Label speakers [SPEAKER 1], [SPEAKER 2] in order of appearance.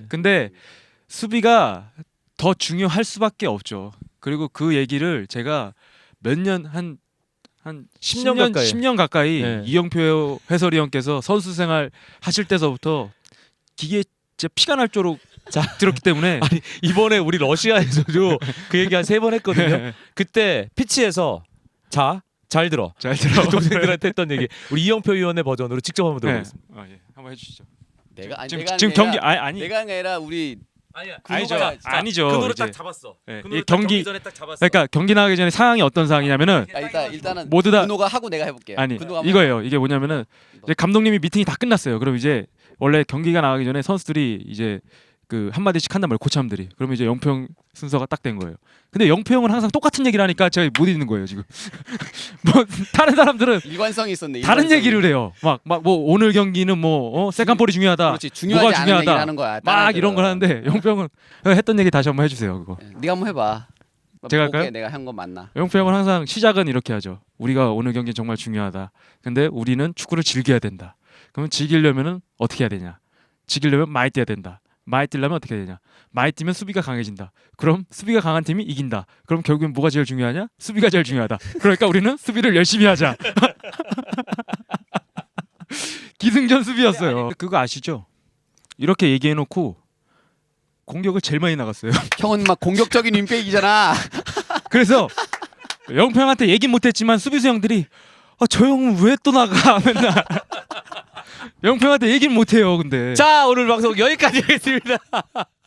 [SPEAKER 1] 근데 수비가 더 중요할 수밖에 없죠. 그리고 그 얘기를 제가 몇 년 한
[SPEAKER 2] 10년 가까이.
[SPEAKER 1] 10년 가까이
[SPEAKER 2] 네.
[SPEAKER 1] 이영표 해설위 원께서 선수 생활 하실 때서부터 기계에 진짜 피가 날 정도로 들었기 때문에
[SPEAKER 2] 아니 이번에 우리 러시아에서도 그 얘기 한 3번 했거든요. 그때 피치에서 잘 들어.
[SPEAKER 1] 잘 들어.
[SPEAKER 2] 동생들한테 했던 얘기. 우리 이영표 위원의 버전으로 직접 한번 들어보겠습니다.
[SPEAKER 1] 예. 한번 해주시죠.
[SPEAKER 3] 내가 아니
[SPEAKER 1] 지금
[SPEAKER 3] 내가
[SPEAKER 1] 지금 경기 아니
[SPEAKER 3] 내가 아니라 우리
[SPEAKER 2] 아니야.
[SPEAKER 1] 아니죠.
[SPEAKER 3] 노래가
[SPEAKER 1] 아니죠.
[SPEAKER 2] 그 노래
[SPEAKER 1] 이제.
[SPEAKER 2] 딱 잡았어.
[SPEAKER 1] 네,
[SPEAKER 2] 그 노래
[SPEAKER 1] 이
[SPEAKER 2] 딱
[SPEAKER 1] 경기-
[SPEAKER 2] 전에 딱 잡았어.
[SPEAKER 1] 그러니까 경기 나가기 전에 상황이 어떤 상황이냐면은
[SPEAKER 3] 일단은
[SPEAKER 1] 모두 다
[SPEAKER 3] 근호가 하고 내가 해볼게.
[SPEAKER 1] 아니
[SPEAKER 3] 근호가 한번
[SPEAKER 1] 이거예요. 이게 뭐냐면은 이제 감독님이 미팅이 다 끝났어요. 그럼 이제 원래 경기가 나가기 전에 선수들이 이제 그 한마디씩 한단 말이에요. 코치함들이. 그러면 이제 영평 순서가 딱 된 거예요. 근데 영평은 항상 똑같은 얘기를 하니까 제가 못 읽는 거예요 지금. 뭐 다른 사람들은
[SPEAKER 3] 일관성이 있었네.
[SPEAKER 1] 다른
[SPEAKER 3] 일관성이.
[SPEAKER 1] 얘기를 해요. 막 뭐 오늘 경기는 뭐 세컨볼이 중요하다.
[SPEAKER 3] 그렇지 중요하지
[SPEAKER 1] 뭐가
[SPEAKER 3] 않은
[SPEAKER 1] 중요하다.
[SPEAKER 3] 얘기를 하는 거야.
[SPEAKER 1] 막 이런 걸 하는데 영평은 했던 얘기 다시 한번 해주세요. 그거.
[SPEAKER 3] 네가 한번 해봐.
[SPEAKER 1] 제가
[SPEAKER 3] 볼게,
[SPEAKER 1] 할까요?
[SPEAKER 3] 내가 한 건 맞나?
[SPEAKER 1] 영표 형은 항상 시작은 이렇게 하죠. 우리가 오늘 경기 정말 중요하다. 근데 우리는 축구를 즐겨야 된다. 그러면 즐기려면은 어떻게 해야 되냐? 즐기려면 많이 뛰어야 된다. 많이 뛰려면 어떻게 해야 되냐? 많이 뛰면 수비가 강해진다. 그럼 수비가 강한 팀이 이긴다. 그럼 결국엔 뭐가 제일 중요하냐? 수비가 제일 중요하다. 그러니까 우리는 수비를 열심히 하자. 기승전 수비였어요. 그거 아시죠? 이렇게 얘기해놓고 공격을 제일 많이 나갔어요.
[SPEAKER 3] 형은 막 공격적인 윙백이잖아.
[SPEAKER 1] 그래서 영표 형한테 얘기 못했지만 수비수 형들이 저 형은 왜 또 나가 맨날 영표 형한테 얘기는 못해요. 근데
[SPEAKER 2] 자 오늘 방송 여기까지 하겠습니다.